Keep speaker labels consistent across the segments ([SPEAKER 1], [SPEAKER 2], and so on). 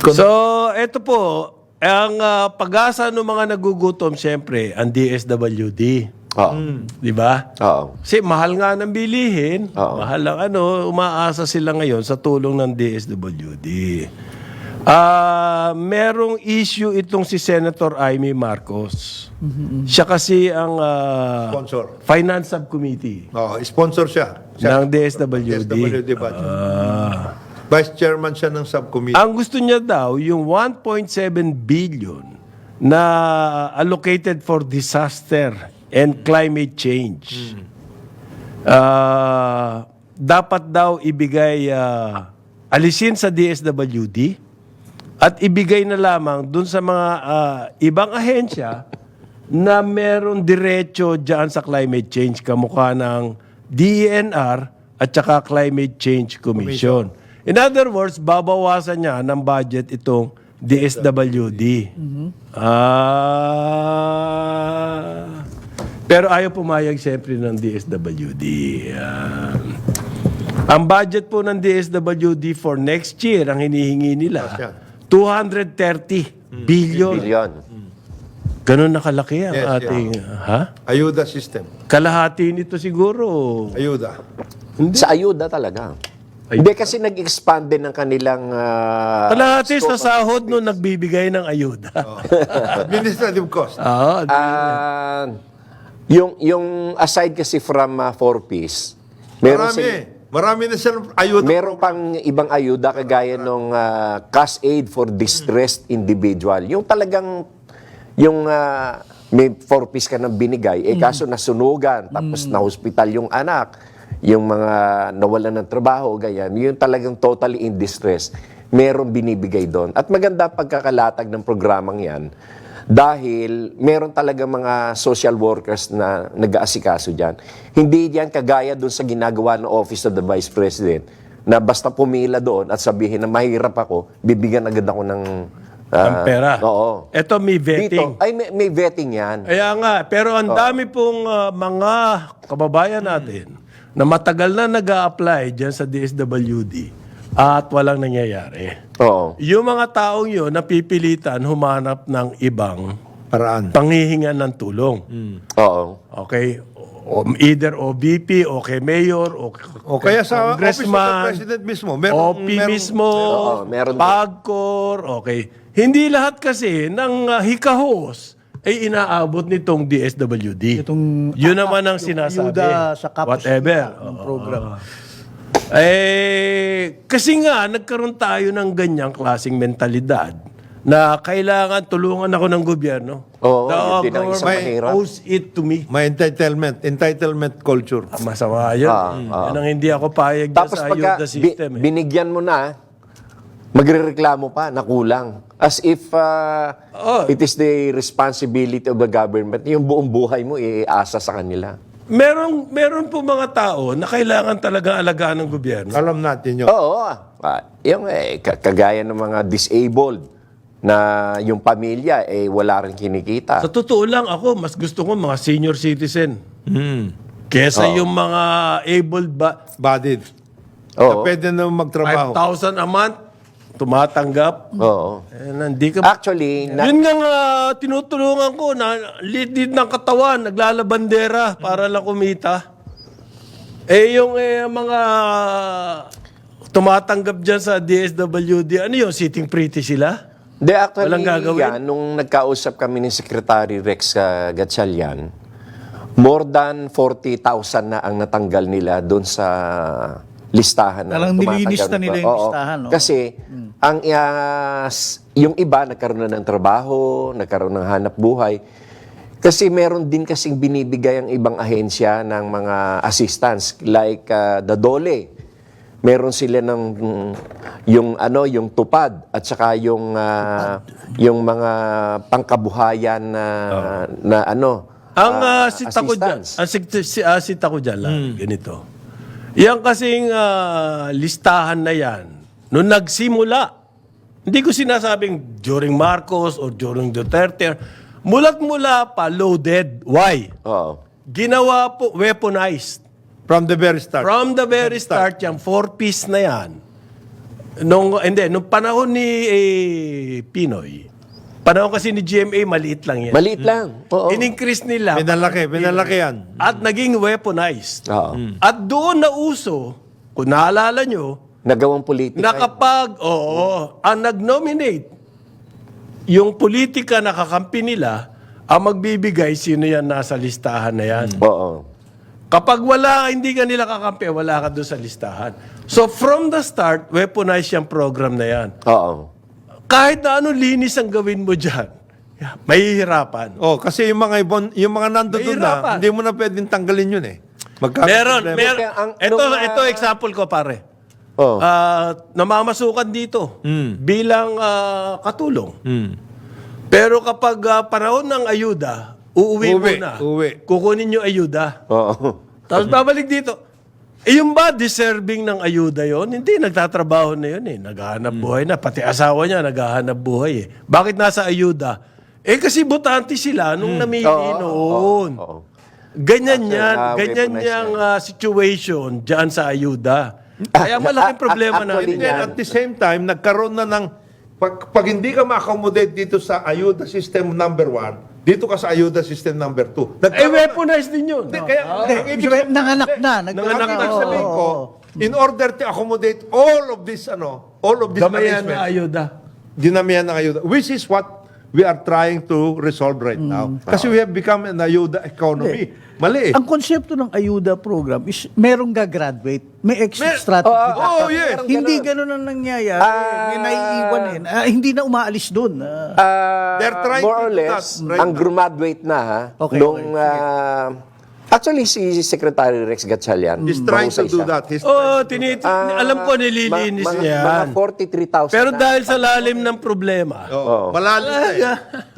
[SPEAKER 1] So, ito po, ang pag-asa ng mga nagugutom, siyempre, ang DSWD.
[SPEAKER 2] Oo.
[SPEAKER 1] Di ba?
[SPEAKER 2] Oo.
[SPEAKER 1] Kasi mahal nga ng bilihin.
[SPEAKER 2] Oo.
[SPEAKER 1] Mahal ang umaasa sila ngayon sa tulong ng DSWD. Merong issue itong si Senator Amy Marcos. Siya kasi ang
[SPEAKER 3] Sponsor.
[SPEAKER 1] Finance Subcommittee
[SPEAKER 3] Sponsor siya.
[SPEAKER 1] ng DSWD.
[SPEAKER 3] DSWD budget. Vice chairman siya ng subcommittee.
[SPEAKER 1] Ang gusto niya daw, yung 1.7 billion na allocated for disaster and climate change. Dapat daw ibigay, alisin sa DSWD at ibigay na lamang dun sa mga ibang ahensya na meron diretso dyan sa climate change, kamukha ng DENR at saka Climate Change Commission. In other words, babawasan niya ng budget itong DSWD. Pero ayaw pumayag siyempre ng DSWD. Ang budget po ng DSWD for next year, ang hinihingi nila, 230 billion.
[SPEAKER 2] Billion.
[SPEAKER 1] Ganun nakalaki ang
[SPEAKER 3] Yes,
[SPEAKER 1] ating... Ha?
[SPEAKER 3] Ayuda system.
[SPEAKER 1] Kalahati nito siguro.
[SPEAKER 3] Ayuda.
[SPEAKER 2] Sa ayuda talaga. Hindi kasi nag-expand din ng kanilang...
[SPEAKER 1] Kalahati sa sahod nung nagbibigay ng ayuda.
[SPEAKER 3] Administrative cost.
[SPEAKER 1] Oo.
[SPEAKER 2] yung aside kasi from 4Ps, meron
[SPEAKER 3] Marami na silang ayuda.
[SPEAKER 2] meron pang ibang ayuda kagaya nung cash aid for distressed individual. Yung talagang may 4Ps ka nang binigay, kaso nasunugan, tapos na-hospital yung anak, yung mga nawalan ng trabaho, ganyan, yung talagang totally in distress, meron binibigay doon. At maganda pagkakalatag ng programang yan, dahil meron talaga mga social workers na nag-aasikaso dyan. Hindi yan kagaya doon sa ginagawa ng Office of the Vice President, na basta pumila doon at sabihin na mahirap ako, bibigyan agad ako ng
[SPEAKER 1] Ang pera.
[SPEAKER 2] Oo.
[SPEAKER 1] Ito may vetting.
[SPEAKER 2] Dito, ay may vetting yan.
[SPEAKER 1] Kaya nga, pero ang dami pong mga kababayan natin na matagal na nag-a-apply dyan sa DSWD at walang nangyayari.
[SPEAKER 2] Oo.
[SPEAKER 1] Yung mga taong yun, napipilitan humanap ng ibang
[SPEAKER 3] Paraan.
[SPEAKER 1] panghihingan ng tulong.
[SPEAKER 2] Oo.
[SPEAKER 1] Okay? Either OBP, o kay Mayor, o
[SPEAKER 3] Kaya sa Office of the
[SPEAKER 1] Congressman,
[SPEAKER 3] President mismo,
[SPEAKER 1] OP mismo,
[SPEAKER 2] Oo, meron din.
[SPEAKER 1] PAGCOR, okay. Hindi lahat kasi ng hikahos ay inaabot nitong DSWD. Yun naman ang sinasabi.
[SPEAKER 4] ayuda sa kapos
[SPEAKER 1] Whatever.
[SPEAKER 4] ng program.
[SPEAKER 1] Kasi nga, nagkaroon tayo ng ganyang klaseng mentalidad na kailangan tulungan ako ng gobyerno.
[SPEAKER 2] Oo,
[SPEAKER 1] The
[SPEAKER 2] yun din ang isang
[SPEAKER 1] government
[SPEAKER 2] mahirap.
[SPEAKER 1] owes it to me.
[SPEAKER 3] May entitlement culture.
[SPEAKER 1] Masama yun. Yan ang hindi ako payag dyan
[SPEAKER 2] Tapos
[SPEAKER 1] sa
[SPEAKER 2] pagka
[SPEAKER 1] ayuda system.
[SPEAKER 2] binigyan mo na, magrereklamo pa na kulang. As if it is the responsibility of the government, yung buong buhay mo iasa sa kanila.
[SPEAKER 1] Meron po mga tao na kailangan talaga alagaan ng gobyerno.
[SPEAKER 3] Alam natin yun.
[SPEAKER 2] Oo. Yung kagaya ng mga disabled na yung pamilya wala rin kinikita.
[SPEAKER 1] Sa totoo lang ako, mas gusto ko mga senior citizen. Kesa yung mga able
[SPEAKER 3] Bodied.
[SPEAKER 2] Oo.
[SPEAKER 3] Na pwede na magtrabaho.
[SPEAKER 1] 5,000 a month, tumatanggap.
[SPEAKER 2] Oo.
[SPEAKER 1] Hindi ka...
[SPEAKER 2] Actually,
[SPEAKER 1] Yun nga tinutulungan ko na litid ng katawan, naglalabandera para lang kumita. Yung mga tumatanggap dyan sa DSWD, ano yun, sitting pretty sila?
[SPEAKER 2] actually,
[SPEAKER 1] Walang gagawin?
[SPEAKER 2] yan, nung nagkausap kami ni Secretary Rex Gatchalian, more than 40,000 na ang natanggal nila doon sa listahan na
[SPEAKER 4] Talang nilinis na nila yung
[SPEAKER 2] Oo.
[SPEAKER 4] listahan, no?
[SPEAKER 2] Kasi yung iba nagkaroon na ng trabaho, nagkaroon ng hanap buhay. Kasi meron din kasing binibigay ang ibang ahensya ng mga assistance like the DOLE. Meron sila ng yung tupad at saka yung mga pangkabuhayan na
[SPEAKER 1] Ang sita ko dyan, sita ko dyan lang, ganito. Yan kasing listahan na yan, nung nagsimula, hindi ko sinasabing during Marcos or during Duterte, mulat-mula pa loaded. Why?
[SPEAKER 2] Oo.
[SPEAKER 1] Ginawa po weaponized.
[SPEAKER 3] From the very start.
[SPEAKER 1] From the very start, yung 4-piece na yan, Nung panahon ni Pinoy, panahon kasi ni GMA, maliit lang yan.
[SPEAKER 2] Maliit lang. Oo.
[SPEAKER 1] In-increase nila.
[SPEAKER 3] Pinalaki yan.
[SPEAKER 1] At naging weaponized.
[SPEAKER 2] Oo.
[SPEAKER 1] At doon na uso, kung naalala nyo,
[SPEAKER 2] Nagawang politika.
[SPEAKER 1] na kapag, ang nag-nominate, yung politika na kakampi nila, ang magbibigay, sino yan nasa listahan na yan.
[SPEAKER 2] Oo.
[SPEAKER 1] Kapag hindi ka nila kakampi, wala ka doon sa listahan. So from the start, weaponize yung program na yan.
[SPEAKER 2] Oo.
[SPEAKER 1] Kahit na anong linis ang gawin mo dyan, mahihirapan.
[SPEAKER 3] Oh, kasi yung mga nandoon
[SPEAKER 1] Mahirapan.
[SPEAKER 3] na, hindi mo na pwedeng tanggalin yun eh.
[SPEAKER 1] Meron.
[SPEAKER 2] Kaya ang-
[SPEAKER 1] Ito example ko, pare.
[SPEAKER 2] Oo.
[SPEAKER 1] Namamasukan dito bilang katulong.
[SPEAKER 3] Hmm.
[SPEAKER 1] Pero kapag panahon ng ayuda, uuwi muna. Kukunin yung ayuda.
[SPEAKER 2] Oo.
[SPEAKER 1] Tapos babalik dito. Yung ba deserving ng ayuda yon? Hindi, nagtatrabaho na yun eh. Naghahanap buhay na. Pati asawa niya naghahanap buhay eh. Bakit nasa ayuda? Kasi butante sila nung namili noon.
[SPEAKER 2] Oo.
[SPEAKER 1] Ganyan
[SPEAKER 2] After,
[SPEAKER 1] yan. Ganyan
[SPEAKER 2] weaponized
[SPEAKER 1] yung situation dyan sa ayuda. Kaya malaking problema na.
[SPEAKER 2] actually,
[SPEAKER 3] And then at the same time, nagkaroon na ng, pag hindi ka ma-accommodate dito sa ayuda system number 1, dito ka sa ayuda system number 2.
[SPEAKER 1] Weaponize din yun.
[SPEAKER 3] Kaya, ang ibig
[SPEAKER 4] Sabi, nanganak na.
[SPEAKER 1] Nanganak na.
[SPEAKER 3] ang sabihin ko, in order to accommodate all of this
[SPEAKER 1] Damayan na
[SPEAKER 3] arrangements,
[SPEAKER 1] ayuda.
[SPEAKER 3] dinamihan ng ayuda, which is what we are trying to resolve right now. Kasi we have become an ayuda economy. Mali eh.
[SPEAKER 4] Ang konsepto ng ayuda program is merong gagraduate, may exit strategy.
[SPEAKER 3] Oh, yes.
[SPEAKER 4] Hindi ganun ang nangyayari. May naiiwan eh. Hindi na umaalis doon.
[SPEAKER 3] They're trying
[SPEAKER 2] more
[SPEAKER 3] to
[SPEAKER 2] or
[SPEAKER 3] do
[SPEAKER 2] less,
[SPEAKER 3] that right
[SPEAKER 2] ang
[SPEAKER 3] now.
[SPEAKER 2] graduate na ha,
[SPEAKER 4] Okay,
[SPEAKER 2] nung,
[SPEAKER 4] okay,
[SPEAKER 2] actually, si Secretary Rex Gatchalian,
[SPEAKER 3] He's trying to do that.
[SPEAKER 1] Alam ko nililinis niya yan.
[SPEAKER 2] Mga 43,000
[SPEAKER 1] Pero
[SPEAKER 2] na.
[SPEAKER 1] dahil sa lalim ng problema,
[SPEAKER 3] Malalim na eh.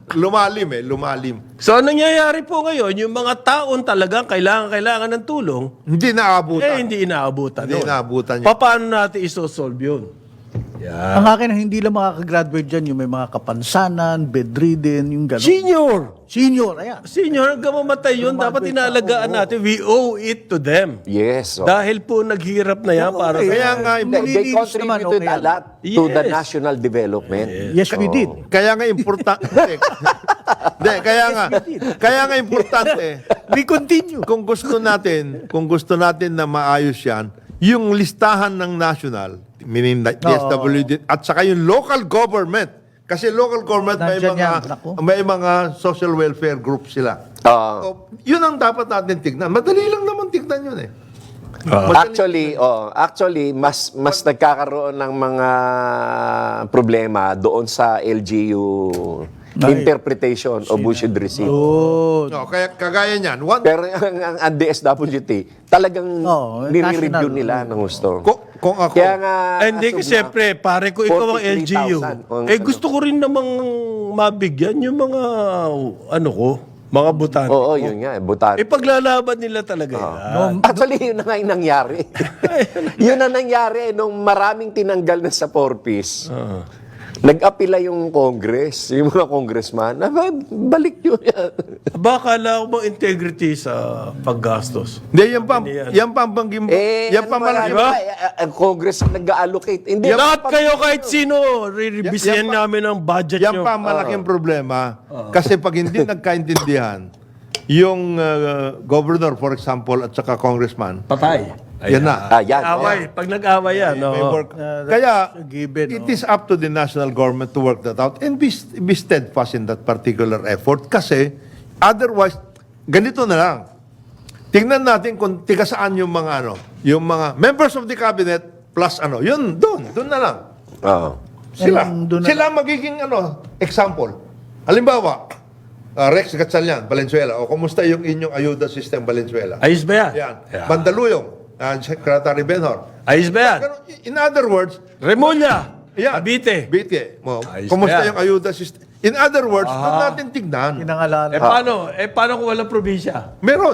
[SPEAKER 3] Lumalim.
[SPEAKER 1] so anong nangyayari po ngayon, yung mga taon talagang kailangan ng tulong,
[SPEAKER 3] Hindi naaabutan.
[SPEAKER 1] hindi inaabutan.
[SPEAKER 3] Hindi
[SPEAKER 1] nun.
[SPEAKER 3] inaabutan yun.
[SPEAKER 1] Paano natin isosolve yun?
[SPEAKER 4] Ang akin, hindi lang makakagraduate dyan, yung may mga kapansanan, bedridden, yung gano'n. Senior, ayan.
[SPEAKER 1] Senior, hanggang mamatay yun, dapat inalagaan natin. We owe it to them.
[SPEAKER 2] Yes.
[SPEAKER 1] Dahil po naghirap na yan para
[SPEAKER 4] Okay.
[SPEAKER 1] sa...
[SPEAKER 3] Kaya nga,
[SPEAKER 2] They
[SPEAKER 4] Nililinis naman,
[SPEAKER 2] contributed
[SPEAKER 4] okay.
[SPEAKER 2] a lot to the
[SPEAKER 1] Yes.
[SPEAKER 2] national development.
[SPEAKER 4] Yes, we did.
[SPEAKER 3] kaya nga importante. Kaya nga importante.
[SPEAKER 4] We continue.
[SPEAKER 3] Kung gusto natin na maayos yan, yung listahan ng national, meaning DSWD, at saka yung local government. Kasi local government
[SPEAKER 4] Nandyan yan, naku.
[SPEAKER 3] may mga social welfare group sila. So, yun ang dapat natin tignan. Madali lang naman tignan yun eh.
[SPEAKER 2] Actually, mas nagkakaroon ng mga problema doon sa LGU interpretation of who should receive.
[SPEAKER 3] No, kaya kagaya niyan.
[SPEAKER 2] Pero ang DSWT, talagang nire-review
[SPEAKER 4] national.
[SPEAKER 2] nila ng gusto.
[SPEAKER 3] Kung ako,
[SPEAKER 2] Kaya nga,
[SPEAKER 1] Hindi ko siyempre, pare ko ikaw ang
[SPEAKER 2] 43,000.
[SPEAKER 1] LGU. Gusto ko rin namang mabigyan yung mga, mga butante.
[SPEAKER 2] oo, yun nga, butan.
[SPEAKER 1] Paglalaban nila talaga yan.
[SPEAKER 2] Actually, yun na nga yung nangyari. Yun na nangyari nung maraming tinanggal na sa 4-piece. Nag-apila yung Congress, yung mga congressman, balik nyo yan.
[SPEAKER 1] Baka lang mo integrity sa paggastos.
[SPEAKER 3] Hindi, yan pa ang banggim. Yan pa malaki.
[SPEAKER 2] Ang Congress ang nag-allocate. Hindi,
[SPEAKER 1] Lahat kayo kahit sino, re-revisihan namin ang budget
[SPEAKER 3] Yan
[SPEAKER 1] nyo.
[SPEAKER 3] pa ang malaking problema. Kasi pag hindi nagkaintindihan, yung governor, for example, at saka congressman,
[SPEAKER 1] Patay.
[SPEAKER 3] yan na.
[SPEAKER 2] yan.
[SPEAKER 1] Away. Pag nag-away yan.
[SPEAKER 3] May
[SPEAKER 1] oo.
[SPEAKER 3] work. Kaya,
[SPEAKER 4] a given,
[SPEAKER 3] it is up to the national government to work that out and be steadfast in that particular effort. Kasi, otherwise, ganito na lang. Tingnan natin kung tiga saan yung mga yung mga members of the cabinet plus yun, doon na lang.
[SPEAKER 2] Oo.
[SPEAKER 3] Sila magiging example. Halimbawa, Rex Gatchalian, Valenzuela, o kumusta yung inyong ayuda system, Valenzuela?
[SPEAKER 1] Ayos ba yan?
[SPEAKER 3] Yan.
[SPEAKER 1] Yeah.
[SPEAKER 3] Mandaluyong, Secretary Benhor.
[SPEAKER 1] Ayos ba yan?
[SPEAKER 3] Pero, in other words,
[SPEAKER 1] Remulla.
[SPEAKER 3] yan.
[SPEAKER 1] Abite.
[SPEAKER 3] Ayos
[SPEAKER 1] Ayos
[SPEAKER 3] kumusta
[SPEAKER 1] ba yan?
[SPEAKER 3] yung ayuda system? In other words, doon natin tignan.
[SPEAKER 4] Pinangalanan.
[SPEAKER 1] Paano kung walang probinsya?
[SPEAKER 3] Meron.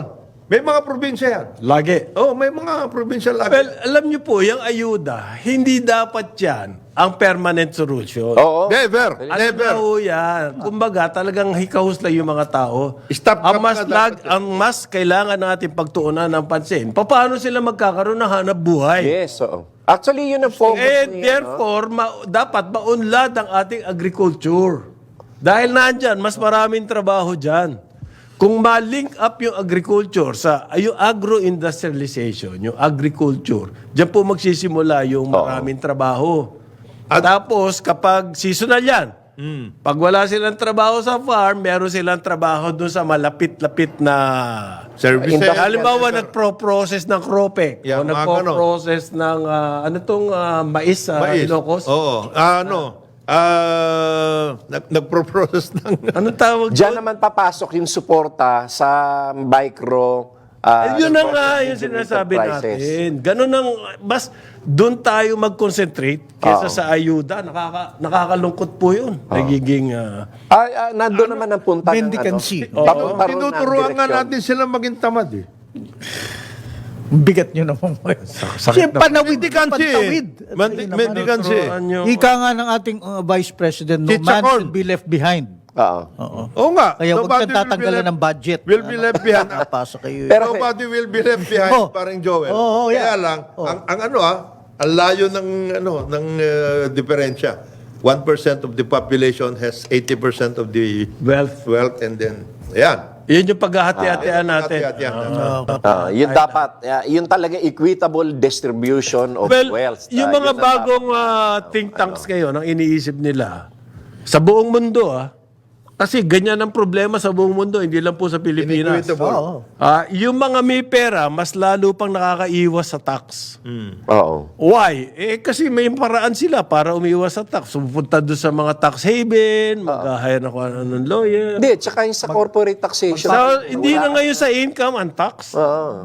[SPEAKER 3] May mga probinsya yan.
[SPEAKER 1] Lagi.
[SPEAKER 3] Oh, may mga probinsya lagi.
[SPEAKER 1] Well, alam niyo po, yung ayuda, hindi dapat yan ang permanent solution.
[SPEAKER 2] Oo.
[SPEAKER 3] Never.
[SPEAKER 1] Ano
[SPEAKER 3] Never.
[SPEAKER 1] na ho yan? Kumbaga, talagang hikahusla yung mga tao.
[SPEAKER 3] Stop
[SPEAKER 1] ang
[SPEAKER 3] ka
[SPEAKER 1] mas
[SPEAKER 3] muna dapat yan.
[SPEAKER 1] ang mas kailangan natin pagtuunan ng pansin. Paano sila magkakaroon ng hanap buhay?
[SPEAKER 2] Yes, oo. Actually, yun ang focus
[SPEAKER 1] Eh,
[SPEAKER 2] niya, no?
[SPEAKER 1] therefore, dapat maunlad ang ating agriculture. Dahil nandyan, mas maraming trabaho dyan. Kung ma-link up yung agriculture sa yung agro-industrialization, yung agriculture, dyan po magsisimula yung maraming trabaho. Tapos, kapag seasonal yan, pag wala silang trabaho sa farm, meron silang trabaho dun sa malapit-lapit na
[SPEAKER 3] Services.
[SPEAKER 2] Industrial.
[SPEAKER 1] halimbawa, nagpro-process ng cropek
[SPEAKER 3] Yeah,
[SPEAKER 1] o
[SPEAKER 3] mga
[SPEAKER 1] nagpro-process ng mais sa
[SPEAKER 3] Mais.
[SPEAKER 1] Ilocos.
[SPEAKER 3] Oo. Nagpo-process ng...
[SPEAKER 1] Anong tawag
[SPEAKER 2] Diyan
[SPEAKER 1] doon?
[SPEAKER 2] naman papasok yung suporta sa micro
[SPEAKER 1] Yun na nga yung
[SPEAKER 2] medium
[SPEAKER 1] sinasabi
[SPEAKER 2] enterprises.
[SPEAKER 1] natin. Ganun ang, mas doon tayo mag-concentrate kesa sa ayuda. Nakakalungkot po yun. Nagiging,
[SPEAKER 2] Nandun naman ang punta
[SPEAKER 4] Mendicancy.
[SPEAKER 2] ng papunta ron ng
[SPEAKER 3] Tinuturuan nga
[SPEAKER 2] direksyon.
[SPEAKER 3] natin sila maging tamad eh.
[SPEAKER 4] Bigat nyo naman. Siyempre, panawid.
[SPEAKER 3] Mendicancy.
[SPEAKER 4] Pantawid.
[SPEAKER 3] Mendicancy.
[SPEAKER 1] turuan nyo.
[SPEAKER 4] Ika nga ng ating Vice President, no
[SPEAKER 3] Teacher
[SPEAKER 4] man
[SPEAKER 3] Corn.
[SPEAKER 4] should be left behind.
[SPEAKER 2] Oo.
[SPEAKER 4] Oo.
[SPEAKER 3] Oo nga.
[SPEAKER 4] Kaya huwag
[SPEAKER 3] Nobody
[SPEAKER 4] kang tatanggalan ng budget.
[SPEAKER 3] Will be left behind.
[SPEAKER 4] Napasa kayo.
[SPEAKER 2] Pero-
[SPEAKER 3] Nobody will be left behind,
[SPEAKER 4] Oh.
[SPEAKER 3] parang Joel.
[SPEAKER 4] Oh,
[SPEAKER 3] Kaya
[SPEAKER 4] yeah.
[SPEAKER 3] lang, ang layo ng diferensya. 1% of the population has 80% of the wealth and then, ayan.
[SPEAKER 1] yun yung paghahati-hatian natin.
[SPEAKER 3] Hati-hatian.
[SPEAKER 2] Yun dapat, yun talaga equitable distribution of
[SPEAKER 1] Well,
[SPEAKER 2] wealth.
[SPEAKER 1] yung
[SPEAKER 2] Yun
[SPEAKER 1] mga
[SPEAKER 2] ang
[SPEAKER 1] bagong think tanks ngayon, ang iniisip nila, sa buong mundo, kasi ganyan ang problema sa buong mundo, hindi lang po sa Pilipinas.
[SPEAKER 3] Inequitable.
[SPEAKER 4] Oo.
[SPEAKER 1] Yung mga may pera, mas lalo pang nakakaiwas sa tax.
[SPEAKER 2] Oo.
[SPEAKER 1] Why? Kasi may paraan sila para umiwas sa tax. Pupunta doon sa mga tax haven, mag-hire na kung anong lawyer.
[SPEAKER 2] Hindi, tsaka yung sa corporate taxation.
[SPEAKER 1] So, hindi na ngayon sa income ang tax.
[SPEAKER 2] Oo.